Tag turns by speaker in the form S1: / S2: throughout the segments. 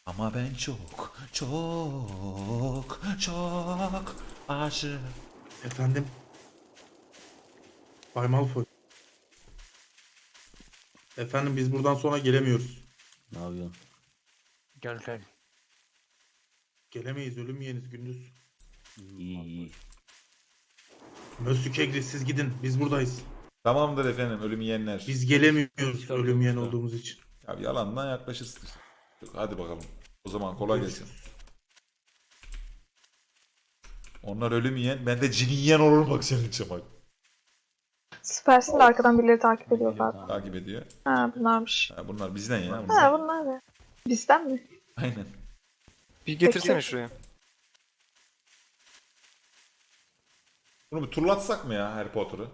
S1: Ama ben çok çok çok aşığım.
S2: Efendim? Bay Malfoy. Efendim biz buradan sonra gelemiyoruz.
S3: Ne yapıyorsun?
S4: Gel gel.
S2: Gelemeyiz, ölüm yiyeniz gündüz.
S3: İyi iyi.
S2: Mösyö Kegri siz gidin, biz buradayız.
S1: Tamamdır efendim ölüm yiyenler.
S2: Biz gelemiyoruz ölüm yiyen olduğumuz için.
S1: Ya yalandan yaklaşırsın. Hadi bakalım. O zaman kolay gelsin. Onlar ölüm yiyen, ben de cini yiyen olurum bak senin için bak.
S5: Süpersin de arkadan birileri takip ediyor zaten.
S1: Takip ediyor.
S5: Ha bunlarmış.
S1: Ha, bunlar bizden ya.
S5: Ha
S1: Bunlar.
S5: bunlar ne? Bizden mi?
S1: Aynen.
S4: Bir getirsene
S5: Peki.
S4: şuraya.
S1: Bunu bir turlatsak mı ya Harry Potter'ı?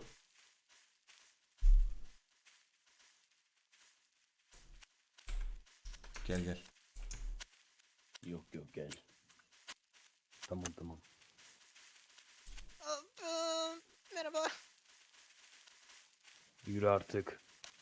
S1: Gel gel.
S3: Yok yok gel. Tamam tamam.
S6: Merhaba.
S3: Yürü artık.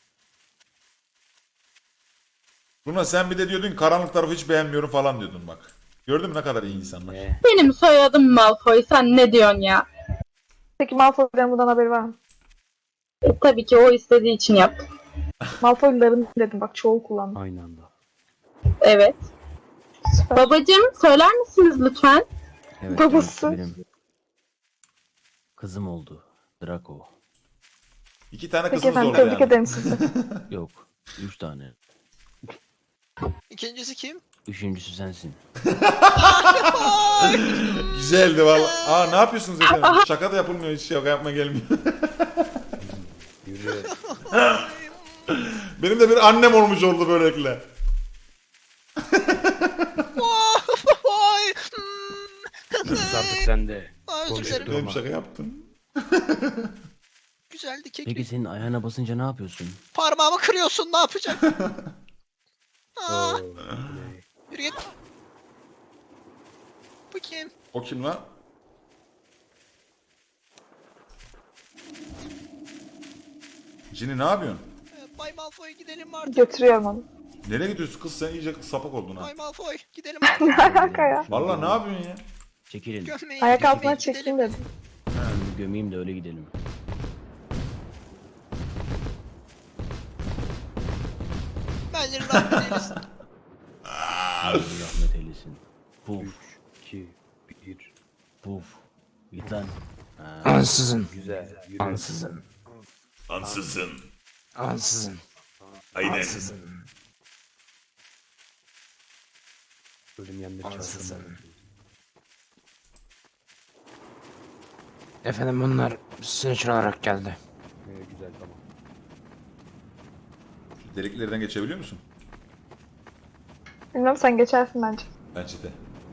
S1: Buna sen bir de diyordun ki karanlık tarafı hiç beğenmiyorum falan diyordun bak. Gördün mü ne kadar iyi insanlar.
S3: Ne?
S7: Benim soyadım Malfoy, sen ne diyorsun ya?
S5: Peki Malfoy'ların bundan haberi var mı?
S7: Tabii ki o istediği için yaptım.
S5: Malfoy'ların dedim bak çoğul kullandım.
S3: Aynı anda.
S7: Evet.
S5: Süper.
S7: Babacım söyler misiniz lütfen?
S3: Evet.
S5: Babası.
S3: kendisi benim kızım oldu. Draco.
S1: 2 tane
S5: Peki
S1: kızımız
S5: efendim
S1: oldu
S5: tebrik
S1: yani.
S5: ederim sizi.
S3: Yok. 3 tane.
S6: İkincisi kim?
S3: Üçüncüsü sensin.
S1: Güzeldi valla. Aa ne yapıyorsunuz efendim? Şaka da yapılmıyor hiç şaka yapma gelmiyor.
S3: Yürü.
S1: Benim de bir annem olmuş oldu böylelikle.
S6: Vay.
S3: Sus artık sen de.
S6: Özür dilerim.
S1: Benim şaka yaptım.
S6: Güzeldi kek.
S3: Peki senin ayağına basınca ne yapıyorsun?
S6: Parmağımı kırıyorsun, ne yapacak? Aa,
S3: Oo,
S6: yürü git. Bu kim?
S1: O kim lan? Cini ne yapıyorsun?
S6: Bay Malfoy gidelim artık.
S5: Götürüyorum onu.
S1: Nereye gidiyorsun kız sen iyice sapak oldun ha.
S6: Bay Malfoy gidelim
S5: Ne
S6: artık.
S5: alaka ya?
S1: Valla ne yapıyorsun ya?
S3: Çekilin.
S6: Gömmeyin.
S5: Ayak altına
S6: Gidelim.
S5: çekeyim dedim.
S3: Ben bir gömeyim de öyle gidelim.
S6: Bence rahmet eylesin.
S3: Allah rahmet eylesin. Puf. 2, 1. Puf. Git lan. Ha,
S4: Ansızın.
S3: güzel. Yürü.
S4: Ansızın.
S1: Ansızın.
S4: Ansızın.
S1: Aynen.
S3: Ölüm yenleri
S4: Ansızın.
S3: çarpsın.
S4: Efendim bunlar sınıç olarak geldi.
S3: Güzel tamam.
S1: Deliklerden geçebiliyor musun?
S5: Bilmem sen geçersin bence.
S1: Bence de.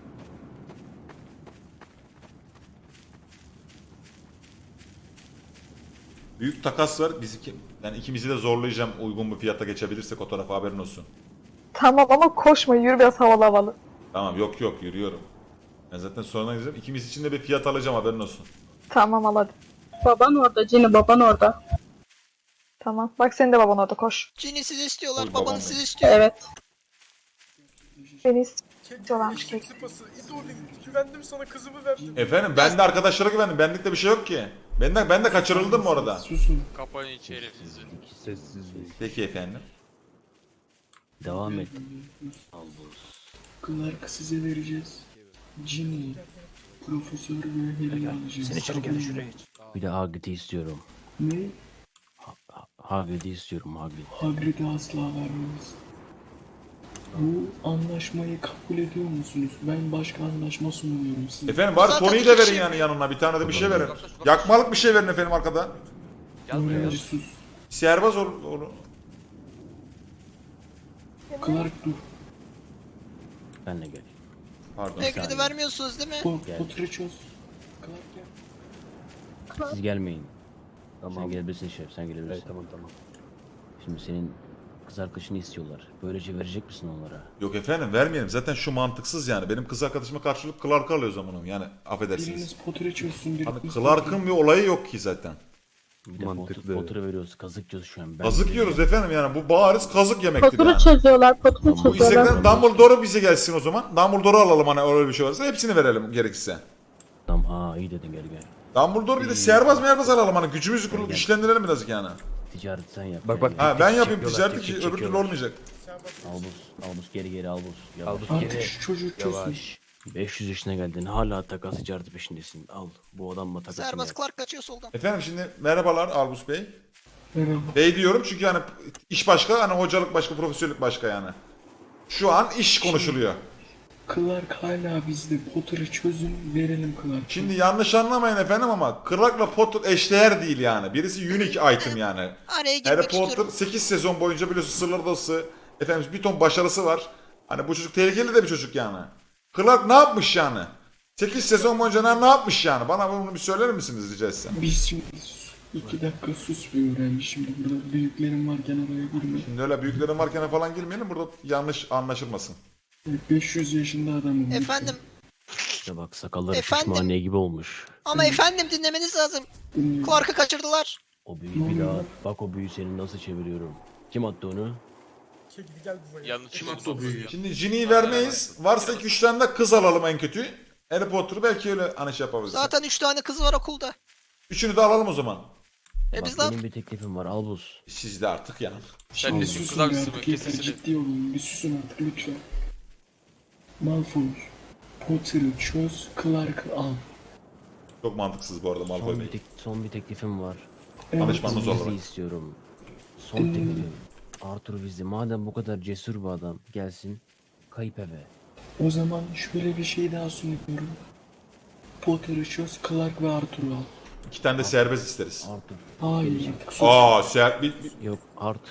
S1: Büyük takas var. Yani ikimizi de zorlayacağım uygun bir fiyata geçebilirsek o tarafa haberin olsun.
S5: Tamam ama koşma yürü biraz havalı havalı.
S1: Tamam yok yok yürüyorum. Ben zaten sonradan gideceğim. İkimiz için de bir fiyat alacağım haberin olsun.
S5: Tamam al hadi.
S7: Baban orada, Cini baban orada.
S5: Tamam. Bak senin de baban orada koş.
S6: Cini sizi istiyorlar,
S1: Oy, babam
S6: babanız
S1: benim.
S6: sizi istiyor.
S7: Evet.
S5: Beni istiyorlarmış kek.
S8: Sıpası, it orada güvendim sana kızımı verdim.
S1: Efendim ben de arkadaşlara güvendim. Benlikte bir şey yok ki. Ben de kaçırıldım bu arada.
S8: Susun.
S9: Kapayın içeri sizi.
S3: Sessizlik.
S1: Peki efendim.
S3: Devam et. Albus.
S8: Clark size vereceğiz. Ginny, Profesör ve Harry alacağız.
S4: Sen içeri gel şuraya.
S3: Bir de Hagrid'i istiyorum.
S8: Ne?
S3: Hagrid'i istiyorum Hagrid.
S8: Hagrid'e asla vermeyiz. Bu anlaşmayı kabul ediyor musunuz? Ben başka anlaşma sunuyorum size.
S1: Efendim bari
S6: Zaten
S1: Tony'yi
S6: iki
S1: de verin
S6: kişi-
S1: yani yanına. Bir tane de bir şey verin. Yakmalık bir şey verin efendim arkada.
S8: Öğrenci sus.
S1: Sihirbaz olur.
S8: Clark dur.
S3: Benle gel.
S1: Pardon.
S6: Hagrid'i vermiyorsunuz değil mi?
S8: Potter'ı çöz. Clark gel.
S3: Siz gelmeyin. Tamam. Sen gelebilirsin şef, sen gelebilirsin. Evet, tamam tamam. Şimdi senin kız arkadaşını istiyorlar. Böylece verecek misin onlara?
S1: Yok efendim vermeyelim. Zaten şu mantıksız yani. Benim kız arkadaşıma karşılık Clark'ı alıyor zamanım. Yani affedersiniz.
S8: Biriniz Potter'ı çözsün.
S1: Abi
S8: Biriniz
S1: Clark'ın bir olayı yok ki zaten.
S3: Bir de Potter'ı veriyoruz. Kazık yiyoruz şu an. Ben
S1: Kazık yiyoruz efendim yani. Bu bariz kazık yemektir
S7: Poturu
S1: yani.
S7: çözüyorlar, poturu
S3: Bu
S1: Bu
S7: çözüyorlar.
S1: istekler Dumbledore'a bize gelsin o zaman. Dumbledore'u alalım hani öyle bir şey varsa. Hepsini verelim gerekirse.
S3: Tamam, iyi dedin, gel gel.
S1: Dumbledore bir de serbaz merbaz alalım hani. Gücümüzü kurup güçlendirelim birazcık yani.
S3: Ticaret sen yap.
S4: Bak, bak.
S1: Ha ben yapayım
S4: Çekiyorlar,
S1: ticareti ki öbür türlü
S3: çekiyorlar.
S1: olmayacak.
S3: Albus geri Albus. Yavaş.
S8: Artık şu çocuk çözsün.
S3: 500 yaşına geldin, hala takas ticareti peşindesin. Al, bu adamla takasını
S6: Serbest
S3: yap.
S6: Clark kaçıyor soldan.
S1: Efendim şimdi merhabalar Albus Bey.
S8: Merhaba.
S1: Bey diyorum çünkü hani iş başka hani hocalık başka profesörlük başka yani. Şu an iş konuşuluyor.
S8: Clark hala bizde. Potter'ı çözün, verelim Clark'a.
S1: Şimdi yanlış anlamayın efendim ama Clark'la Potter eşdeğer değil yani. Birisi unique item yani.
S6: Araya
S1: Harry
S6: girmek
S1: Potter
S6: istiyorum.
S1: 8 sezon boyunca biliyorsun Sırlar Odası, efendim bir ton başarısı var. Hani bu çocuk tehlikeli de bir çocuk yani. Clark ne yapmış yani? 8 sezon boyunca ne yapmış yani? Bana bunu bir söyler misiniz rica etsem?
S8: Biz şimdi 2 dakika sus bir öğrenci. Şimdi burada büyüklerim varken araya girme.
S1: Şimdi öyle büyüklerin varken falan girmeyelim burada yanlış anlaşılmasın.
S8: 500 yaşında adamım.
S6: Efendim
S3: İşte bak, sakalları
S6: Efendim?
S3: şişmaniye gibi olmuş.
S6: ama efendim dinlemeniz lazım.
S8: Dinliyorum.
S6: Clark'ı kaçırdılar.
S3: O büyüyü bir daha, bak o büyüyü seni nasıl çeviriyorum. Kim attı onu?
S2: Kim attı o büyüyü?
S1: Şimdi Ginny'yi vermeyiz. Varsa 2-3 tane de kız alalım en kötü. Harry Potter'ı belki öyle hani şey yapabiliriz.
S6: Zaten 3 tane kız var okulda.
S1: Üçünü de alalım o zaman.
S3: Bak,
S6: Biz de
S3: benim bir teklifim var, Albus.
S1: Siz de artık yani.
S8: Şimdi susun artık yeter. Ciddi olun. Bir susun artık lütfen. Malfoy. Potter'ı çöz, Clark'ı al.
S1: Çok mantıksız bu arada Malfoy Bey.
S3: Son bir teklifim var.
S8: Evet.
S1: Danışmanınız
S3: Weasley
S1: olarak.
S3: istiyorum. Son
S8: Dinliyorum.
S3: teklifim. Arthur Weasley madem bu kadar cesur bir adam, gelsin kayıp eve.
S8: O zaman şöyle bir şey daha sunuyorum. Potter'ı çöz, Clark ve Arthur'u al.
S1: 2 tane de serbest isteriz.
S3: Arthur.
S8: Hayır artık sus.
S1: Aa,
S3: Yok,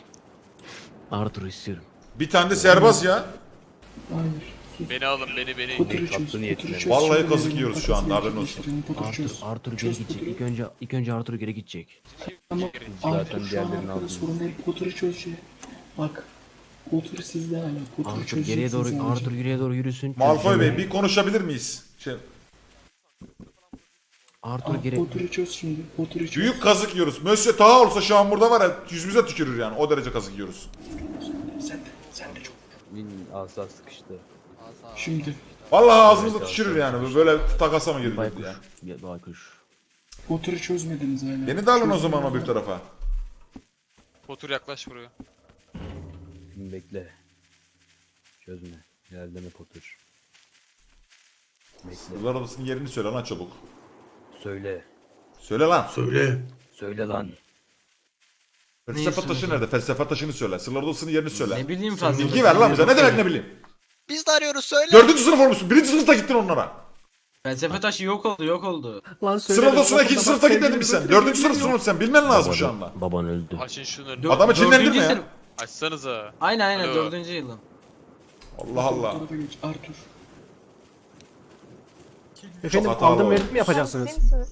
S3: Arthur istiyorum.
S1: bir tane de serbest ya.
S8: Hayır sus.
S4: Beni alın beni.
S8: Potter'ı çöz, Potter'ı çöz.
S1: Vallahi
S8: Şöyle
S1: kazık
S8: verelim,
S1: yiyoruz şu anda,
S8: takasını
S1: haberin olsun.
S8: gerçekleştirelim, Potter çöz.
S3: Arthur geri
S8: Çöz
S3: gidecek.
S8: Potter'ı.
S3: İlk önce Arthur geri gidecek.
S8: Ama Arthur şu an arkada sorun değil. Potter'ı çöz şey. Bak. Potter sizde hala. Potter'ı
S3: Arthur
S8: çözeceksin
S3: geriye doğru,
S8: sadece.
S3: Arthur geriye doğru yürüsün.
S1: Malfoy Bey
S3: Çözeceğim.
S1: bir konuşabilir miyiz?
S3: Arthur
S8: Al,
S3: geri...
S8: Potter'ı çöz şimdi. Potter'ı çöz.
S1: Büyük kazık yiyoruz. Monsieur Taha olsa şu an burada var ya yüzümüze tükürür yani. O derece kazık yiyoruz.
S8: Sen de çok.
S9: Asa sıkıştı.
S8: Şimdi
S1: Vallahi ağzımıza tükürür yani. Böyle takasa mı girdik
S3: Baykuş.
S1: ya?
S3: Baykuş.
S8: Potter'ı çözmediniz hala.
S1: Beni de alın o zaman o bir tarafa.
S4: Potur yaklaş buraya.
S9: Bekle. Çözme. İlerleme Potter. Bekle.
S1: Sırlar Odası'nın yerini söyle lan çabuk.
S9: Söyle.
S1: Söyle lan.
S2: Söyle.
S9: Söyle lan.
S1: Felsefe taşı nerede? Felsefe taşını söyle. Sırlar Odası'nın yerini söyle.
S9: Ne bileyim fazla.
S1: Bilgi ver lan bize. Ne demek ne bileyim.
S6: Biz de arıyoruz söyle.
S1: 4. sınıf olmuşsun. 1. sınıfta gittin onlara.
S9: Felsefe taşı yok oldu.
S1: Sırlar Odası'na 2. sınıfta gitmedin mi sen? 4. sınıfsın sen. Bilmen lazım şu anda.
S3: Baban öldü.
S4: Açın şunu.
S1: Adamı çinlendirme ya.
S4: Açsanıza.
S9: Aynen
S4: Alo.
S9: 4. yılım.
S1: Allah Allah.
S8: Bu tarafa geç. Arthur.
S1: Efendim aldım verdim mi?
S5: Yapacaksınız. misiniz?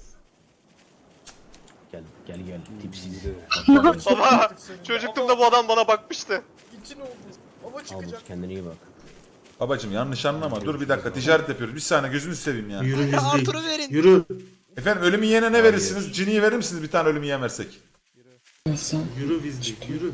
S3: Gel. Tipsiz.
S4: Baba çocukluğumda bu adam bana bakmıştı.
S3: Albus kendine iyi bak.
S1: Babacım yanlış anlama. Dur bir dakika ticaret yapıyoruz. Bir saniye gözünü seveyim ya.
S2: Yürü
S6: Arthur'u
S2: Weasley.
S6: verin.
S2: Yürü.
S1: Efendim ölüm yiyene ne verirsiniz? Ginny'yi verir misiniz? Bir tane ölüm yiyen versek.
S8: Hasan.
S2: Yürü Weasley. Yürü.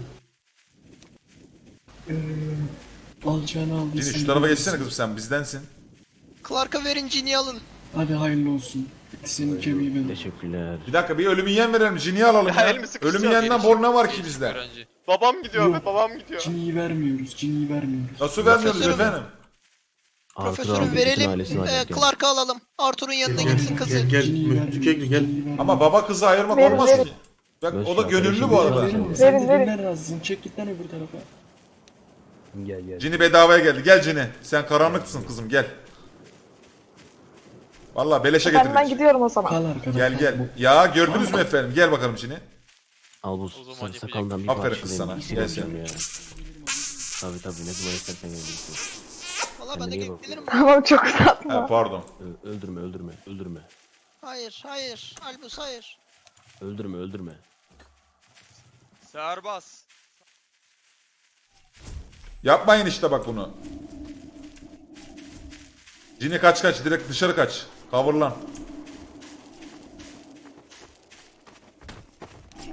S8: Alacağını aldın.
S1: Ginny
S8: sen
S1: şu tarafa
S8: de
S1: geçsene
S8: alsın.
S1: kızım sen bizdensin.
S6: Clark'a verin Ginny'yi alın.
S8: Hadi hayırlı olsun. Senin kemiği benim.
S3: Teşekkürler.
S1: Bir dakika bir ölüm yiyen verelim. Ginny'yi alalım ya.
S4: elimi sıkışacağım.
S1: Ölüm yiyenden bor ne var ki bizde?
S4: Öğrenci. Babam gidiyor
S8: Yok.
S4: be babam gidiyor.
S8: Cini'yi vermiyoruz. Cini'yi vermiyoruz.
S1: Nasıl vermiyoruz
S6: Profesörüm.
S1: efendim?
S3: Arthur
S6: Profesörü
S3: aldı, bütün
S6: verelim.
S3: ailesini alacak yani.
S6: Clark'ı alalım. Arthur'un yanına gitsin kızı.
S2: Gel.
S8: Cini'yi
S2: Müftükegli gel.
S8: vermiyoruz.
S1: Ama baba kızı ayırmak
S5: Verin,
S1: olmaz
S5: verin.
S1: ki. Bak o da
S3: Mesela
S1: gönüllü
S3: kardeşim,
S1: bu arada.
S3: verin.
S8: Verin, sen
S5: Verin,
S8: de
S5: verin.
S8: dinler razısın. Çek git lan öbür tarafa.
S9: Gel.
S1: Ginny bedavaya geldi. Gel Ginny. Sen karanlıksın kızım gel. Vallahi beleşe
S5: Ben
S1: getirdik.
S5: gidiyorum o zaman.
S8: Kal arkada.
S1: Gel gel. Ya gördünüz mü efendim? Gel bakalım Ginny.
S3: Albus
S4: O zaman
S3: sarı
S4: yapacak.
S3: sakalından bir
S1: Aferin kız sana.
S3: parçalayayım.
S1: Gel
S3: İsim ya. Tabii ne zaman istersen gelebilirsin.
S6: Valla ben de
S3: Kendine iyi bak.
S6: gelirim.
S5: Tamam çok uzatma.
S1: Ha, pardon.
S3: Öldürme.
S6: Hayır. Albus hayır.
S3: Öldürme.
S4: Serbaz.
S1: Yapmayın işte bak bunu. Ginny kaç. Direkt dışarı kaç. Kavurlan.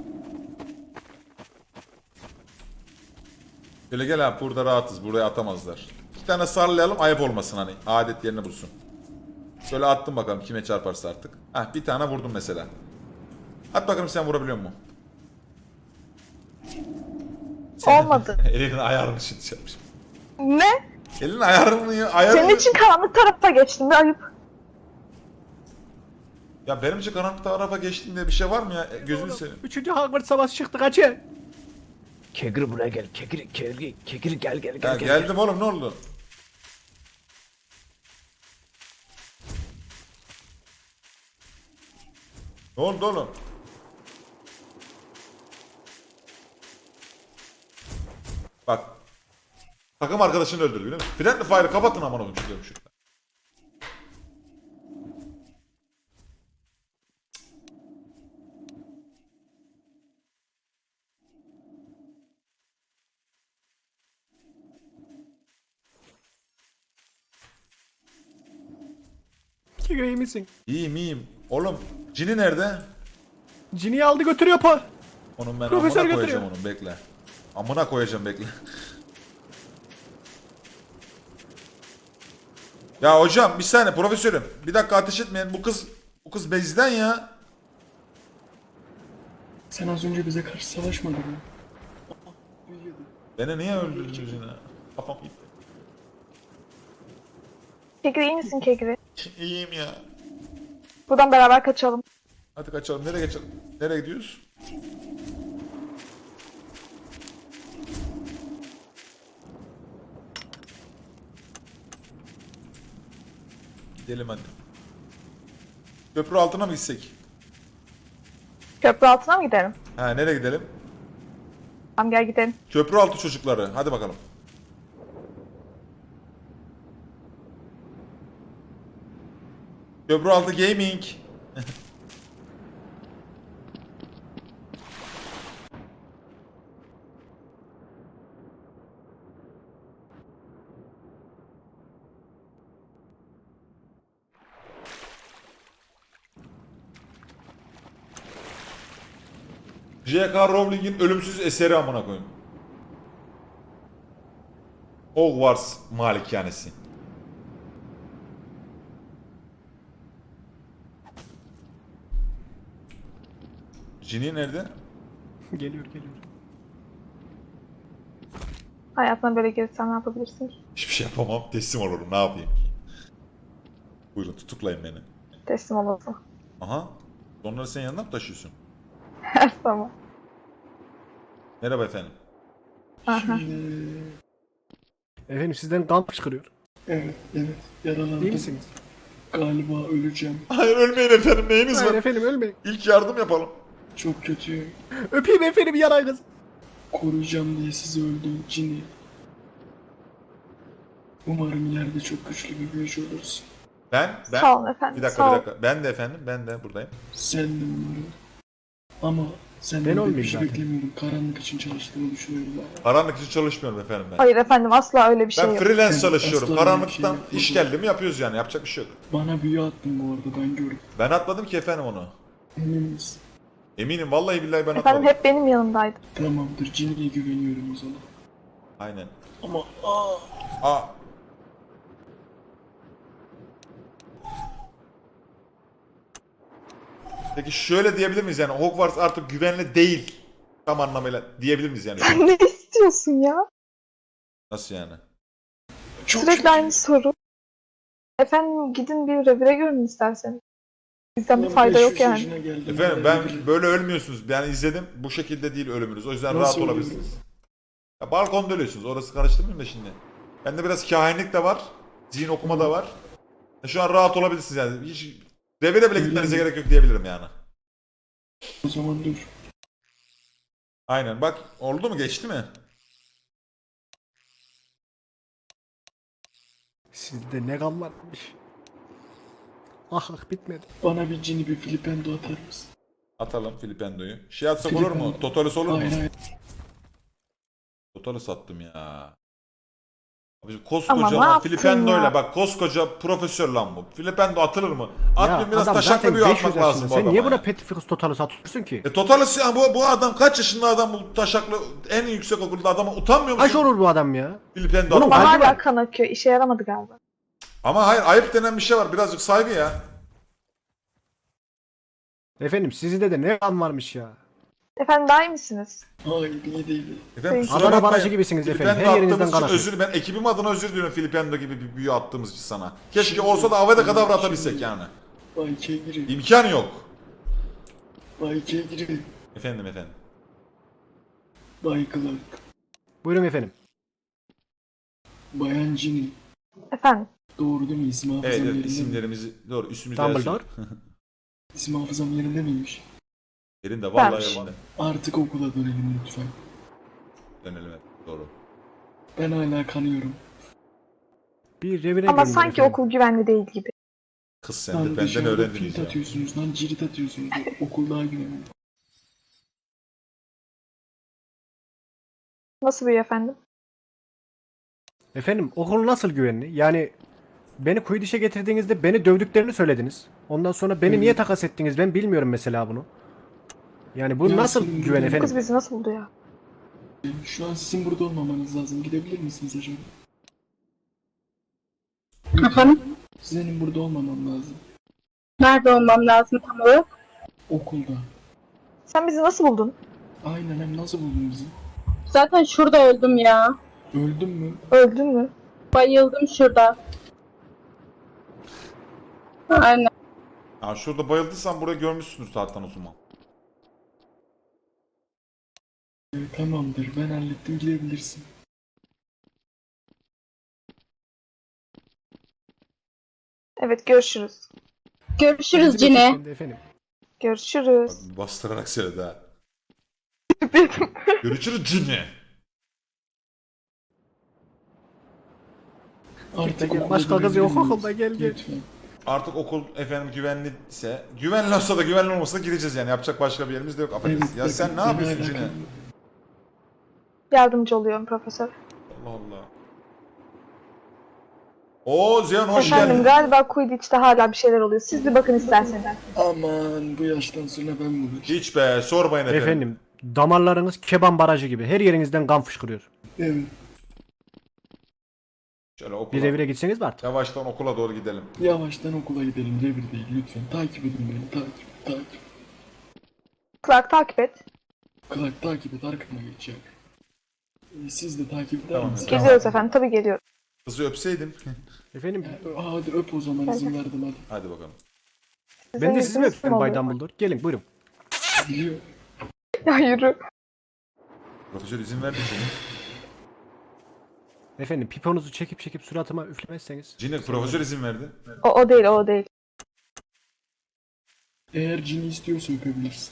S1: Şöyle gel abi, burada rahatız. Buraya atamazlar. 2 tane sarlayalım, ayıp olmasın hani. Adet yerini bulsun. Şöyle attım bakalım kime çarparsa artık. Heh, bir tane vurdum mesela. At bakalım sen vurabiliyor musun?
S5: Olmadı.
S1: Elinin ayarını şimdi şey yapmışım.
S5: Ne?
S1: Elinin ayarını...
S5: Senin için karanlık tarafa geçtim. Bir ayıp.
S1: Ya benim için karanlık tarafa geçtiğim diye bir şey var mı ya? Gözünü seveyim.
S8: 3. Hogwarts savaşı çıktı kaçın.
S3: Kegri buraya gel. Kegri gel
S1: Ya geldim oğlum, ne oldu? Ne oldu oğlum? Bak. Takım arkadaşını öldürdü biliyor musun? Friendly Fire'ı kapatın aman oğlum, çıkıyorum şurada.
S8: Kegri iyi misin?
S1: İyiyim iyiyim. Oğlum Cini nerede?
S8: Cini'yi aldı götürüyor pa.
S1: Onun ben
S8: Profesör
S1: amına
S8: götürüyor.
S1: koyacağım onun, bekle. Amına koyacağım, bekle. Ya hocam bir saniye profesörüm. Bir dakika ateş etmeyin. Bu kız bezden ya.
S8: Sen az önce bize karşı savaşmadın mı?
S1: Beni niye öldürdünüz yine? Kafam gitti.
S5: Kegri iyi misin Kegri?
S1: İyiyim ya.
S5: Buradan beraber kaçalım.
S1: Hadi kaçalım. Nereye geçelim? Nereye gidiyoruz? Gidelim hadi. Köprü altına mı gitsek?
S5: Köprü altına mı gidelim?
S1: Ha, nereye gidelim?
S5: Tamam gel gidelim.
S1: Köprü altı çocukları. Hadi bakalım. Köprü altı gaming. J.K. Rowling'in ölümsüz eseri amına koyayım. Hogwarts malikanesi. Ginny nerede?
S8: Geliyor.
S5: Hayatına böyle gelirsen ne yapabilirsin ki?
S1: Hiçbir şey yapamam. Teslim olurum. Ne yapayım ki? Buyurun tutuklayın beni.
S5: Teslim olasın.
S1: Aha. Onları sen yanına mı taşıyorsun?
S5: Her zaman.
S1: Merhaba efendim.
S5: Aha.
S8: Efendim sizden kan fışkırıyor.
S10: Evet, yaralandım.
S8: İyi misiniz?
S10: Galiba öleceğim.
S1: Hayır ölmeyin efendim. Neyiniz
S8: Hayır
S1: var?
S8: efendim ölmeyin.
S1: İlk yardım yapalım.
S10: Çok kötüyüm.
S8: Öpeyim efendim yarayı kız.
S10: Koruyacağım diye sizi öldüm Cini. Umarım ileride çok güçlü bir büyücü olursun.
S1: Ben
S5: Sağ olun efendim.
S1: bir dakika
S5: sağ
S1: bir
S5: olun.
S1: dakika. Ben de efendim. Ben de buradayım.
S10: Sen de umarım. Ama
S8: Ben
S10: senden pek bir
S8: olmayayım
S10: şey
S8: zaten.
S10: beklemiyorum. Karanlık için çalıştığını düşünüyorum ben.
S1: Karanlık için çalışmıyorum efendim ben.
S5: Hayır efendim asla öyle bir şey
S1: Ben
S5: yok.
S1: freelance
S10: Ben
S1: çalışıyorum.
S10: asla öyle bir
S1: Karanlıktan
S10: şey
S1: iş
S10: yapmadım.
S1: geldi mi yapıyoruz yani. Yapacak bir şey yok.
S10: Bana büyü attın bu arada, ben gördüm.
S1: Ben atmadım ki efendim onu.
S10: Emin misin?
S1: Eminim vallahi billahi ben
S5: Efendim
S1: atmadım.
S5: hep benim yanımdaydı.
S10: Tamamdır, Cini'ye güveniyorum o zaman.
S1: Aynen.
S10: Ama
S1: Aa. Peki şöyle diyebilir miyiz yani Hogwarts artık güvenli değil tam anlamıyla diyebilir miyiz yani?
S5: ne istiyorsun ya?
S1: Nasıl yani?
S10: çok
S5: Sürekli
S10: kötü.
S5: aynı soru. Efendim gidin bir revire görün isterseniz. Bizden bir
S10: Ben
S5: fayda
S10: 500
S5: yok yani.
S10: yaşına geldim.
S1: Efendim
S10: Hala
S1: ben böyle ölmüyorsunuz. Ben izledim. Bu şekilde değil ölümünüz. O yüzden
S10: Nasıl
S1: rahat
S10: ölüyorsunuz?
S1: olabilirsiniz. Ya balkonda ölüyorsunuz. Orası karıştırmayayım da şimdi. Bende biraz kahinlik de var. Zihin okuma da var. Şu an rahat olabilirsiniz yani. Hiç revire bile gitmenize gerek yok diyebilirim yani.
S10: O zaman dur.
S1: Aynen bak oldu mu geçti mi?
S8: Sizde ne kan varmış. Ah bitmedi.
S10: Bana bir Cini, bir Flipendo atar mısın?
S1: Atalım Filipendo'yu. Şey atsak olur mu? Totalis olur mu?
S10: Hayır hayır.
S1: Totalis sattım ya. Koskoca
S5: Ama ne
S1: lan
S5: yaptın
S1: Filipendo'yla
S5: ya?
S1: bak koskoca profesör lan bu. Filipendo atılır mı? Atmayın biraz
S8: adam
S1: taşaklı
S8: zaten
S1: bir
S8: 500
S1: atmak lazım
S8: yaşında.
S1: bu
S8: Sen
S1: adama.
S8: niye
S1: ya.
S8: buna Petrificus Total'ı satıyorsun ki?
S1: Totalist ya bu adam kaç yaşında adam bu taşaklı en yüksek okulda adama utanmıyor musun?
S8: Kaç olur bu adam ya?
S1: Filipendo
S8: Bunun
S1: atmak.
S5: Ama
S8: kalbi
S5: hala
S8: var.
S5: kan akıyor. İşe yaramadı galiba.
S1: Ama hayır ayıp denen bir şey var. Birazcık saygı ya.
S8: Efendim sizde de ne kan varmış ya.
S5: Efendim daha iyi misiniz?
S10: Hayır iyi değil.
S1: Efendim, kusura
S8: Adana
S1: bakmayın.
S8: barajı gibisiniz efendim.
S1: Filipendo
S8: Her yerinizden
S1: attığımız
S8: kan
S1: için
S8: akıyor.
S1: özür, ben ekibim adına özür diliyorum Filipendo gibi bir büyü attığımız için sana. Keşke olsa da avada kadavra atabilsek yani.
S10: Bay Kegri.
S1: İmkan yok.
S10: Bay Kegri.
S1: Efendim.
S10: Bay Clark.
S8: Buyurun efendim.
S10: Bayan Ginny.
S5: Efendim.
S10: Doğru değil mi? İsim hafızam
S1: Evet,
S10: yerinde mi?
S1: isimlerimizi doğru üstümüzde
S8: Dumbledore.
S10: İsim hafızam yerinde miymiş?
S1: Yerinde vallahi
S5: Vermiş.
S1: yerinde.
S10: Artık okula dönelim lütfen.
S1: Dönelim evet, doğru.
S10: Ben hala kanıyorum.
S8: Bir revire
S5: Ama
S8: görün
S5: sanki
S8: efendim.
S5: okul güvenli değil gibi.
S1: Kız sen de
S10: Lan
S1: benden
S10: dışarıda
S1: öğrendin
S10: filt
S1: iyice.
S10: atıyorsunuz lan cirit atıyorsunuz. Okul daha güvenli.
S5: Nasıl büyüyor efendim?
S8: Efendim okul nasıl güvenli? Yani beni kuyu dişe getirdiğinizde beni dövdüklerini söylediniz. Ondan sonra beni niye takas ettiniz ben bilmiyorum mesela bunu. Yani bu
S10: Ya
S8: nasıl
S10: senin
S8: güven
S10: bu
S8: efendim?
S5: Kız bizi nasıl buldu ya?
S10: Şu an sizin burada olmamanız lazım. Gidebilir misiniz acaba?
S7: Efendim?
S10: Senin burada olmaman lazım.
S7: Nerede olmam lazım tam olarak?
S10: Okulda.
S5: Sen bizi nasıl buldun?
S10: Aynen hem nasıl buldun bizi?
S7: Zaten şurada öldüm ya.
S10: Öldün mü?
S5: Öldün mü?
S7: Bayıldım şurada. Aynen.
S1: Ya şurada bayıldıysan burayı görmüşsündür zaten o zaman.
S10: Tamamdır ben hallettim gidebilirsin.
S5: Evet görüşürüz.
S7: Görüşürüz
S8: Bizim
S7: Cine.
S8: ekipten de efendim.
S5: Görüşürüz.
S1: Bak, bastırarak söyledi ha. Görüşürüz cinni.
S10: Artık
S8: Gel,
S10: okula
S8: başka kız
S10: dönebilir
S8: yok
S10: miyiz?
S8: okulda, gel.
S10: Lütfen.
S1: Artık okul efendim güvenliyse, güvenli olsa da güvenli olmasa da gideceğiz yani. Yapacak başka bir yerimiz de yok. Affedersin. Ya
S10: bakın,
S1: sen ne
S10: beni
S1: yapıyorsun
S10: hala
S1: Cine?
S10: kanıyorum.
S5: Yardımcı oluyorum profesör.
S1: Allah Allah. Oo Ziyan hoş
S5: Efendim
S1: geldin.
S5: galiba Quidditch'te hala bir şeyler oluyor. Siz bir bakın isterseniz.
S10: Aman bu yaştan sonra ben mi uğraşayım?
S1: Hiç be sormayın efendim.
S8: Efendim damarlarınız keban barajı gibi. Her yerinizden kan fışkırıyor.
S10: Evet.
S1: Şöyle okula.
S8: Bir revire gitseniz mi artık?
S1: Yavaştan okula doğru gidelim.
S10: Yavaştan okula gidelim revir değil lütfen. Takip edin beni takip.
S5: Clark takip et.
S10: Clark takip et arkama geç ya. Siz de takip eder
S1: Tamam,
S10: misiniz?
S5: Geliyoruz efendim. Tabii geliyoruz.
S1: Kızı öpseydim.
S8: Efendim
S10: Hadi öp o zaman izin verdim hadi.
S1: Hadi bakalım.
S8: ben de sizi mi
S5: isminiz
S8: öpeyim
S5: kim
S8: Bay
S5: oluyor?
S8: Dumbledore? Gelin buyurun.
S10: Biliyor.
S5: Ya yürü.
S1: Profesör izin verdi şimdi.
S8: Efendim piponuzu çekip suratıma üflemezseniz.
S1: Cine profesör izin verdi.
S5: O değil o değil.
S10: Eğer Ginny istiyorsa öpebilirsin.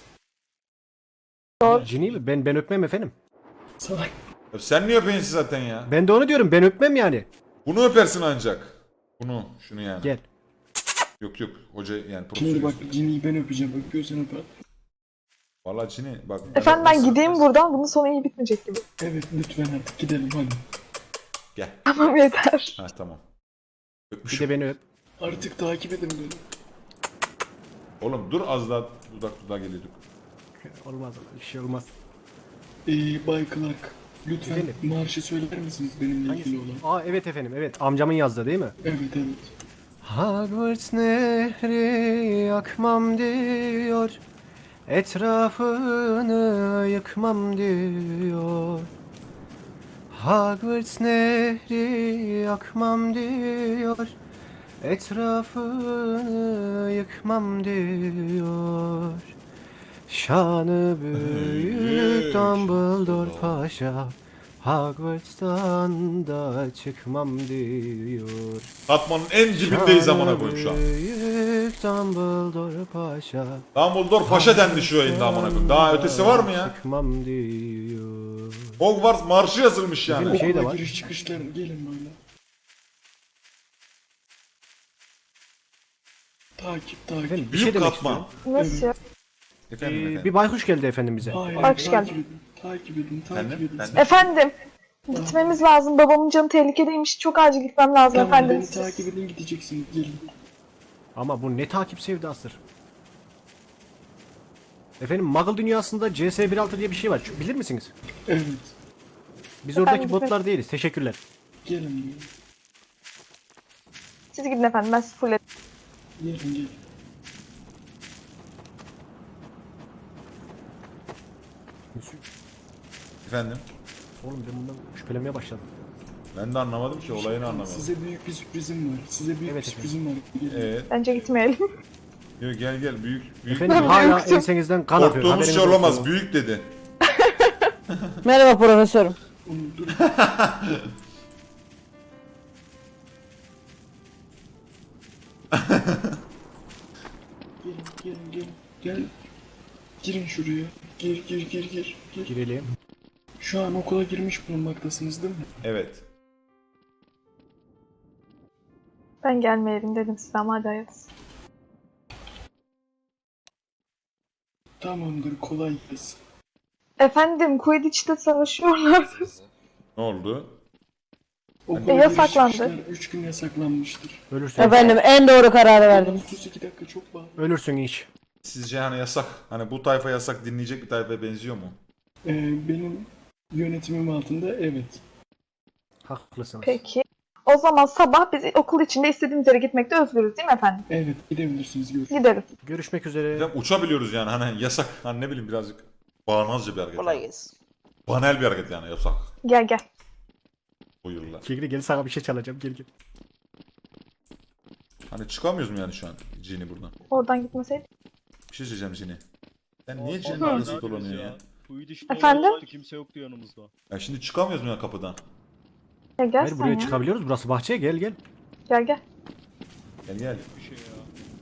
S8: Cini mi? Ben öpmem efendim.
S10: Salak.
S1: Ya sen niye öpeyinsin zaten ya?
S8: Ben de onu diyorum ben öpmem yani.
S1: Bunu öpersin ancak. Şunu yani.
S8: Gel.
S1: Yok hoca yani
S10: Şimdi bak
S1: profesör.
S10: Ginny'yi ben öpeceğim. Öpüyorsan öper.
S1: Valla Cine bak.
S5: Efendim ben gideyim buradan. Bunun sonu iyi bitmeyecek gibi.
S10: Evet lütfen artık gidelim hadi.
S1: Gel.
S5: Tamam yeter.
S1: Ha tamam.
S8: Bir
S1: Öpmüşüm.
S8: de beni öp.
S10: Artık takip edin beni.
S1: Oğlum dur az daha dudak geliyorduk.
S8: Olmaz bir şey olmaz.
S10: Bay Clark. Lütfen
S8: Efendim?
S10: marşı söyler misiniz benimle ilgili olan?
S8: Aa evet efendim evet amcamın yazdığı değil mi?
S10: Evet.
S8: Hogwarts nehri akmam diyor. Etrafını yıkmam diyor. Hogwarts nehri akmam diyor. Etrafını yıkmam diyor. Şanı büyük Dumbledore Paşa. Hogwarts'tan da çıkmam diyor.
S1: Katmanın en dibindeyiz amına koyayım şu an.
S8: Büyük Dumbledore Paşa.
S1: Dumbledore paşa dendi şu yayında amına koyayım. Daha ötesi var mı ya?
S8: Çıkmam diyor.
S1: Hogwarts marşı yazılmış yani.
S8: Bir şey de
S10: Okula
S8: var.
S10: giriş çıkışlar gelin böyle. Takip.
S8: Efendim, bir
S1: Büyük
S8: şey demek
S1: katman.
S8: istiyorum.
S5: Nasıl ya?
S1: Efendim efendim.
S8: Bir baykuş geldi efendim bize.
S10: Hayır,
S5: Hoş geldin.
S10: Takip edin.
S1: Efendim?
S10: Takip edin.
S1: Efendim?
S5: Efendim. Gitmemiz lazım. Babamın canı tehlikedeymiş. Çok acil gitmem lazım
S10: Tamam
S5: efendim.
S10: beni takip edin gideceksiniz. Gelin.
S8: Ama bu ne takip sevdasıdır. Efendim Muggle dünyasında CS16 diye bir şey var. Bilir misiniz?
S10: Evet.
S8: Biz oradaki
S5: Efendim,
S8: botlar değiliz. Teşekkürler.
S10: Gelin.
S5: Siz gidin efendim. Ben sizi full
S10: Gelin.
S1: Efendim?
S8: Oğlum ben bundan şüphelenmeye başladım.
S1: Ben de anlamadım ki olayını anlamadım.
S10: Size büyük bir sürprizim var. Size büyük
S8: Evet,
S10: bir sürprizim var. Gelin.
S1: Evet.
S5: Bence gitmeyelim.
S1: Yo, gel büyük
S8: Efendim hala ensenizden kan akıyor.
S1: korktuğumuz
S8: Haberiniz
S1: şey
S8: olsun.
S1: olamaz. Büyük dedi.
S7: Merhaba profesörüm.
S10: Onu dur. Gelin. Gel. Girin şuraya. Gir.
S8: Girelim.
S10: Şu an okula girmiş bulunmaktasınız değil mi?
S1: Evet.
S5: Ben gelmeyelim dedim size ama hadi hayırlısı.
S10: Tamamdır kolay gelsin.
S5: Efendim Quidditch'te savaşıyorlar.
S1: Ne oldu?
S10: Okula
S5: yasaklandı.
S10: 3 gün yasaklanmıştır.
S8: Ölürsün.
S7: En doğru kararı verdim.
S10: Sus 2 dakika çok bağlı.
S8: Ölürsün hiç.
S1: Sizce hani yasak, hani bu tayfa yasak dinleyecek bir tayfaya benziyor mu?
S10: Benim yönetimim altında evet.
S8: Haklısınız.
S5: Peki. O zaman sabah biz okul içinde istediğimiz yere gitmekte özgürüz değil mi efendim?
S10: Evet gidebilirsiniz görüşürüz.
S5: Gidelim.
S8: Görüşmek üzere.
S1: Efendim uçabiliyoruz yani hani yasak, hani ne bileyim birazcık bağnazca bir hareket.
S6: Kolay
S1: yani.
S6: gelsin.
S1: Banal bir hareket yani yasak.
S5: Gel.
S1: Buyurlar.
S8: Kegri gel sana bir şey çalacağım. Gel.
S1: Hani çıkamıyoruz mu yani şu an Cini buradan?
S5: Oradan gitmeseydik.
S1: Bir şey söyleyeceğim Cini. Sen niye Cini'nin arasında dolanıyor ya?
S5: Efendim?
S11: Kimse yoktu yanımızda.
S1: Ya şimdi çıkamıyoruz mu ya kapıdan?
S5: Ya gel
S8: Hayır
S5: sen
S8: buraya
S5: ya.
S8: çıkabiliyoruz. Burası bahçe. Gel.
S5: Gel.
S1: Gel.
S11: Bir şey ya.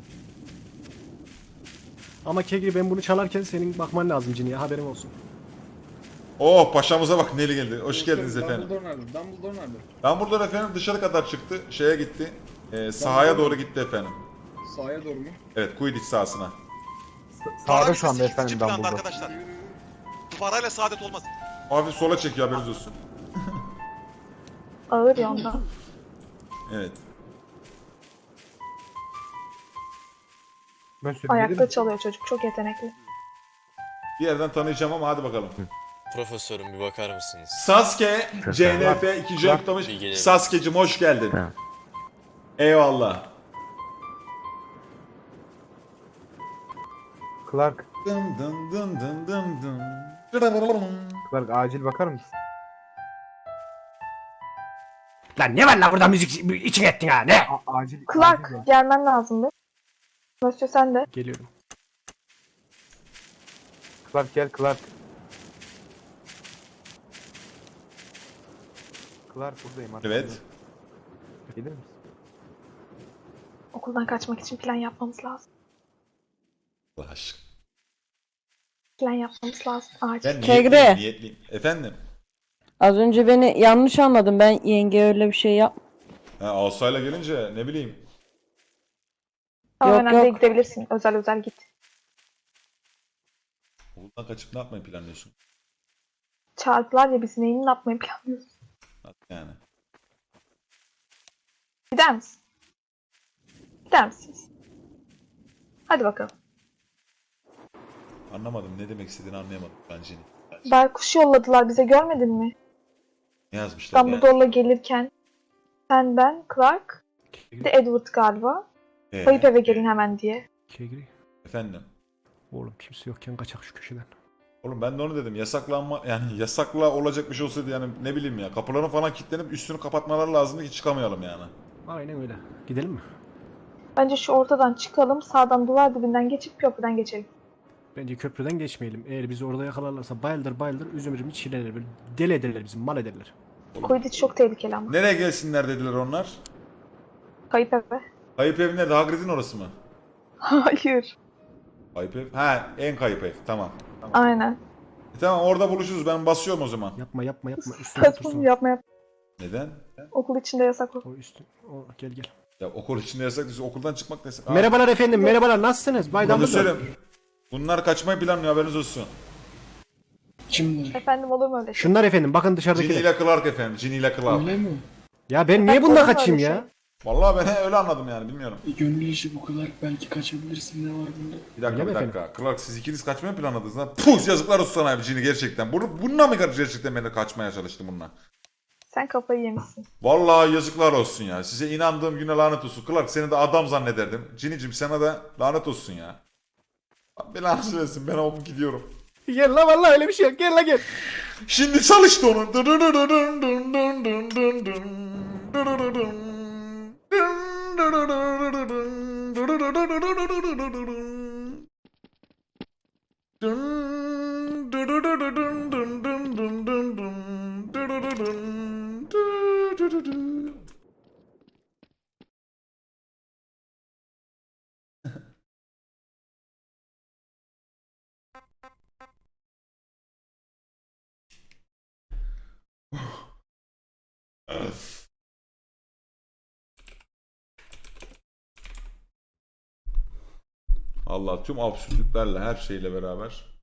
S8: Ama Kegri ben bunu çalarken senin bakman lazım Cini'ye. Haberin olsun.
S1: Oh paşamıza bak Neli geldi. Hoş geldiniz efendim.
S10: Dumbledore nerede?
S1: Dumbledore efendim dışarı kadar çıktı. Şeye gitti. Sahaya doğru gitti efendim.
S10: Sahaya doğru mu?
S1: Evet Quidditch sahasına.
S4: Sağda şu anda efendim ben burada. Arkadaşlar. Duvarayla saadet olmaz.
S1: Hafif sola çekiyor haberiniz olsun.
S5: Ağır ya ondan.
S1: Evet.
S5: Ayakta çalıyor çocuk. Çok yetenekli.
S1: Bir yerden tanıyacağım ama hadi bakalım.
S11: Profesörüm bir bakar mısınız?
S1: Sasuke, CNF 2. ayıklamış. Sasuke'cim hoş geldin. Eyvallah.
S11: Clark,
S1: Dın dın dın dın dın dın.
S11: Clark acil bakar mısın?
S8: Lan ne var lan burada müzik için ettin ha ne?
S11: Acil.
S5: Clark gelmen lazım be. Mösyö sen de.
S8: Geliyorum.
S11: Clark gel Clark. Clark buradayım artık.
S1: Evet.
S11: Gelir misin?
S5: Okuldan kaçmak için plan yapmamız lazım.
S1: Allah aşkına.
S5: Plan yapmamız lazım. Acil.
S1: Ben
S7: Kegre.
S1: niyetliyim. Efendim?
S7: Az önce beni yanlış anladın. Ben yenge öyle bir şey yap.
S1: Ha, Asayla gelince ne bileyim.
S5: Tamam
S7: Yok,
S5: önemli değil,
S7: yok.
S5: gidebilirsin. Özel git.
S1: Okuldan kaçıp ne yapmayı planlıyorsun?
S5: Çağırdılar ya biz neyini ne yapmayı planlıyoruz.
S1: Yani.
S5: Gider misin? Gider misiniz? Hadi bakalım.
S1: Anlamadım. Ne demek istediğini anlayamadım ben Cini.
S5: Baykuş yolladılar bize görmedin mi?
S1: Ne yazmışlar yani?
S5: Dumbledore'la gelirken sen, ben, Clark, bir de Edward galiba. Kayıp eve gelin hemen diye.
S8: Kegri.
S1: Efendim?
S8: Oğlum kimse yokken kaçak şu köşeden.
S1: Oğlum ben de onu dedim. Yasaklanma yani yasakla olacak bir şey olsaydı yani ne bileyim ya. Kapıların falan kilitlenip üstünü kapatmaları lazımdı ki çıkamayalım yani.
S8: Aynen öyle. Gidelim mi?
S5: Bence şu ortadan çıkalım, sağdan duvar dibinden geçip köprüden geçelim.
S8: Bence köprüden geçmeyelim. Eğer bizi orada yakalarlarsa bayıldır üzümürümü çiğnerler. Böyle deli ederler bizi, mal ederler.
S5: Quidditch çok tehlikeli ama.
S1: Nereye gelsinler dediler onlar?
S5: Kayıp eve.
S1: Kayıp ev nerede? Hagrid'in orası mı?
S5: Hayır.
S1: Kayıp ev? Ha en kayıp ev. Tamam.
S5: Aynen.
S1: Tamam orada buluşuruz. Ben basıyorum o zaman.
S8: Yapma. Üstüne
S5: Saçma
S8: otursun.
S5: yapma.
S1: Neden?
S5: Okul içinde yasak o.
S8: O üstün. O gel.
S1: Ya okul içinde yasak değilse okuldan çıkmak da yasak.
S8: Merhabalar efendim. Merhabalar. Nasılsınız? Bay Dumbledore.
S1: Profesörüm. Bunlar kaçmayı planlıyor haberiniz olsun.
S10: Kimler?
S5: Efendim olur mu öyle şey?
S8: Şunlar efendim bakın
S1: Ginny
S8: dışarıdakiler.
S1: ile Clark efendim. Ginny ile Clark.
S10: Öyle mi?
S8: Ya ben niye
S5: Olur
S8: bununla
S5: mu
S8: kaçayım
S5: öyle
S8: ya?
S5: şey?
S1: Vallahi ben öyle anladım yani bilmiyorum.
S10: Gönül işi bu kadar. Belki kaçabilirsin. Ne var bunda?
S1: Bir dakika
S8: Öyle
S1: bir
S8: mi
S1: dakika. Clark siz ikiniz kaçmayı planladınız lan. Puh yazıklar olsun sana abi Ginny gerçekten. Bununla mı gerçekten beni kaçmaya çalıştın bununla?
S5: Sen kafayı yemişsin.
S1: Vallahi yazıklar olsun ya. Size inandığım güne lanet olsun. Clark seni de adam zannederdim. Ginny'cim sana da lanet olsun ya. Belanı versin ben oğlum gidiyorum.
S8: Gel la vallahi öyle bir şey yok. Gel la gel.
S1: Şimdi çalıştı onu. Allah tüm absürtlüklerle her şeyle beraber